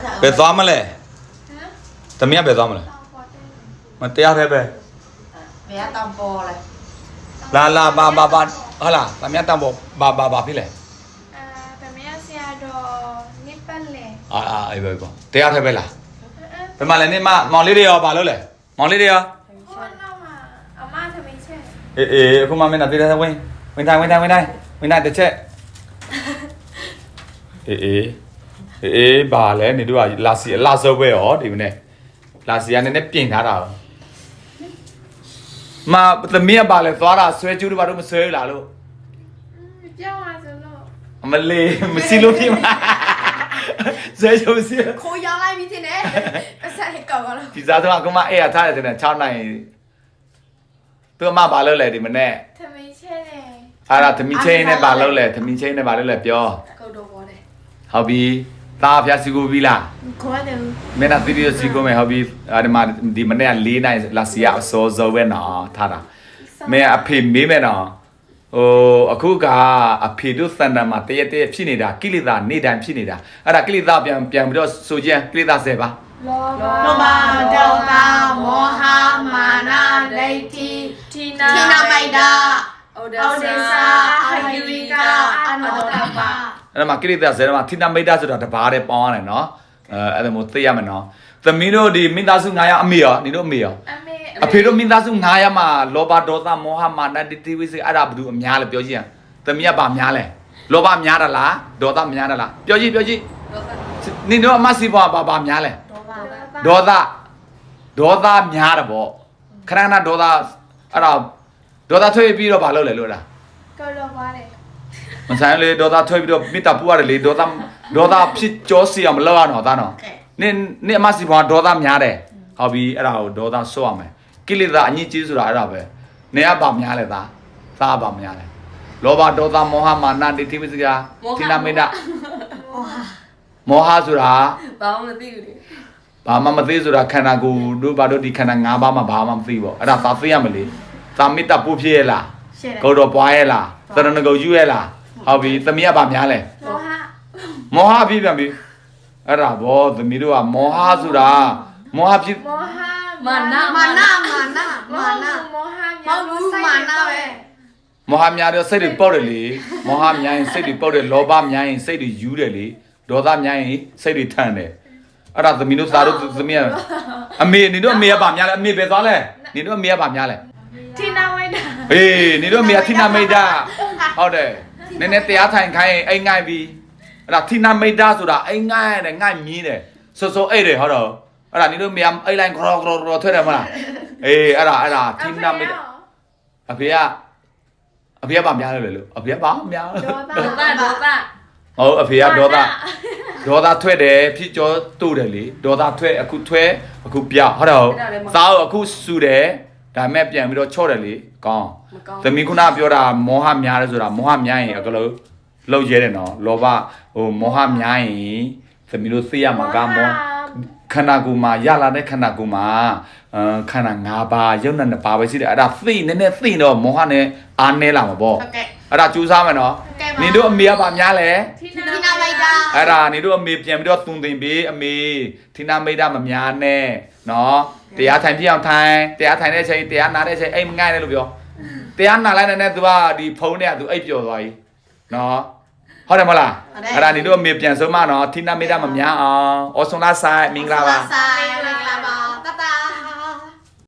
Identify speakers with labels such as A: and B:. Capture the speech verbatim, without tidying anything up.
A: ဘယ်သွားမလဲသမီးကဘယ်သွားမလဲမတရားသေးပဲ
B: ဘယ်တောင်ပေါ်လဲ
A: လာလာဘာဘာဘာဟာလာသမီးတောင်ပေါ်ဘာဘာဘာဖြစ်လဲ
C: အာသမီးဆရာတော်နိပတ်လေ
A: အာအာအေးပဲပေါ့တရားသေးပဲလားဘယ်မှာလဲနေမမောင်လေးတွေရောဘာလုပ်လဲမောင်လေးတွေရော
C: ဟိုနောက်မှာအမသမီးချက်
A: အေးအေးအခုမှမင်းတို့တရားဝင်ဝင်တိုင်းဝင်တိုင်းဝင်တိုင်းဝင်တိုင်းတစ်ချက်အေးအေးအေးဘာလဲနေတို့ကလာစီလာစောပဲရောဒီမနေ့လာစီကနည်းနည်းပြင်ထားတာမသမီးကပါလဲသွားတာဆွဲကျူးတို့ဘာလို့မဆွဲလာလို့
C: ပြောင်းလာစလို့
A: အမလေးမစီလို့ဖြစ်မှာဆွဲကျူးစီ
B: ခိုးရောင်းလိုက်ပြီတင်တယ်အဆက်ဟစ်ကောက်တော့
A: ဒီစားတော့ကမအဲ့ရထားတယ်တဲ့6နိုင်သူအမဘာလို့လဲဒီမနေ့
C: သမီးချက်လေ
A: အဲ့ဒါသမီးချင်းနဲ့ဘာလို့လဲသမီးချင်းနဲ့ဘာလို့လဲပြော
B: ကုတ်တော့ပေါ်တယ်
A: ဟုတ်ပြီသားဖျားစီကိုပြီလား
C: ခေါ်တယ်
A: မင်းကသီးရစီကိုမယ်ဟုတ်ပြီအဲ့ဒီမှာဒီမနေ့က၄နိုင်လာစီရအစောစောပဲနော်ထားတာမင်းအဖေမေးမယ်နော်ဟိုအခုကအဖေတို့စံတမ်းမှာတရက်တရက်ဖြစ်နေတာကိလေသာနေတိုင်းဖြစ်နေတာအဲ့ဒါကိလေသာပြန်ပြန်ပြီးတော့ဆိုကြကိလေသာဆယ်ပါ
C: လောဘ
B: လောဘဒေါသမောဟမာနဒိဋ္ဌိ
C: ထိနာ
B: ထိနာမိုက်တာ
C: ဩဒစာအာဟိဝိကအနောတပ
A: အဲ့မှာကိလေသာဆယ်မှာထိနာမိတ်တာဆိုတာတဘာတဲ့ပေါင်းရတယ်နော်အဲအဲ့ဒါမျိုးသိရမယ်နော်သမီးတို့ဒီမိသားစု၅ယောက်အမေရောနေတို့အမေရော
C: အမေ
A: အဖေတို့မိသားစု၅ယောက်မှာလောဘဒေါသမောဟမာနဒိဋ္ဌိဝိသေအဲ့ဒါဘယ်သူအများလဲပြောကြည့်ရသမီးကဗာများလဲလောဘများတာလားဒေါသများတာလားပြောကြည့်ပြောကြည့်နေတို့အမစီဘွားဗာဗာများလဲဒေါသဒေါသများတယ်ပေါ့ခဏခဏဒေါသအဲ့ဒါဒေါသထွေးပြီးတော့ဗာလုပ်လဲလို့လား
C: ကောလောပါတယ်
A: မဆိုင်လေဒေါသထွေးပြီးတော့မိတာပူရတယ်လေဒေါသဒေါသဖြစ်ကြောစီအောင်မလုပ်ရတော့သားနော်နင်နင်အမစီဘွားဒေါသများတယ်ဟုတ်ပြီအဲ့ဒါကိုဒေါသဆော့ရမယ်ကိလေသာအညစ်အကြေးဆိုတာအဲ့ဒါပဲနေရပါများလဲသားသားပါများလဲလောဘဒေါသမောဟမာနဒိဋ္ဌိဝိသေကသီလမေတ္တာမောဟဆိုတာ
B: ဘာမှမသိဘူးလေ
A: ဘာမှမသိဆိုတာခန္ဓာကိုယ်တို့ဘာတို့ဒီခန္ဓာ၅ပါးမှာဘာမှမသိပေါ့အဲ့ဒါသာသိရမလေသာမေတ္တာပို့ဖြစ်ရဲ့လားဂုဏ်တော်ပွားရဲ့လားသရဏဂုံယူရဲ့လားဟုတ်ပြီသမီးကဘာများလဲ
C: မောဟ
A: မောဟဖြစ်ပြန်ပြီအဲ့ဒါဗောသမီးတို့ကမောဟဆိုတာမောဟဖြစ်
C: မောဟ
B: မာနမာနမာနမာန
C: မောဟ
B: မောလူမာနပဲ
A: မောဟများတော့စိတ်တွေပေါက်တယ်လေမောဟများရင်စိတ်တွေပေါက်တယ်လောဘများရင်စိတ်တွေယူတယ်လေဒေါသများရင်စိတ်တွေထန်တယ်အဲ့ဒါသမီးတို့သားတို့သမီးအမေနေတို့အမေကဗာများလဲအမေပဲသွားလဲနေတို့အမေကဗာများလဲ
C: ထိနာမိတ်တာ
A: အေးနေတို့အမေကထိနာမိတ်တာဟုတ်တယ်နည်းနည်းတရားထိုင်ခိုင်းအိမ်ငိုက်ပြီးအဲ့ဒါထိနာမိတ်တာဆိုတာအိမ်ငိုက်တယ်ငိုက်မြင်းတယ်စောစောအိတ်တယ်ဟုတ်တော့အဲ့ဒါနေတို့အမေအိတ်လိုက်ခရောခရောခရောထွက်တယ်မလားအေးအဲ့ဒါအဲ့ဒါထိနာမိတ်အဖေကအဖေကဗာများလဲလို့အဖေကဗာများ
C: ဒေါသဒေါသ
A: ဟုတ်အဖေကဒေါသဒေါသထွက်တယ်ဖြစ်ကြောတူတယ်လေဒေါသထွက်အခုထွက်အခုပြောက်ဟုတ်တော့သားအခုစူတယ်ဒါမဲ့ပြန်ပြီးတော့ချော့တယ်လေကောင်းသမီးခုနပြောတာမောဟများတယ်ဆိုတာမောဟများရင်အကလို့လောက်ရဲတယ်နော်လောဘဟိုမောဟများရင်သမီးတို့သိရမှာကမောခန္ဓာကိုယ်မှာရလာတဲ့ခန္ဓာကိုယ်မှာအဲခန္ဓာ၅ပါးရုပ်နဲ့နှစ်ပါးပဲရှိတယ်အဲ့ဒါသိနည်းနည်းသိတော့မောဟနဲ့အားနည်းလာမှာပေါ့
B: ဟုတ်ကဲ့
A: အဲ့ဒါကြိုးစားမယ်နော်နေတို့အမေကဗာများလဲ
B: ထိနာမိတ်တာ
A: အဲ့ဒါနေတို့အမေပြန်ပြီးတော့သွန်သင်ပေးအမေထိနာမိတ်တာမများနဲ့နော်တရားထိုင်ပြအောင်ထိုင်တရားထိုင်တဲ့အချိန်တရားနာတဲ့အချိန်အိမ်မငိုက်နဲ့လို့ပြောတရားနာလိုက်တဲ့ तू ကဒီဖုန်းနဲ့က तू အိပ်ပျော်သွားပြီနော်ဟုတ်တယ်မလားအဲ့ဒါနေတို့အမေပြန်ဆုံးမနော်ထိနာမိတ်တာမများအောင်ဩဆွန်လာဆိုင်မင်္ဂလာပါ
B: ဆိုင်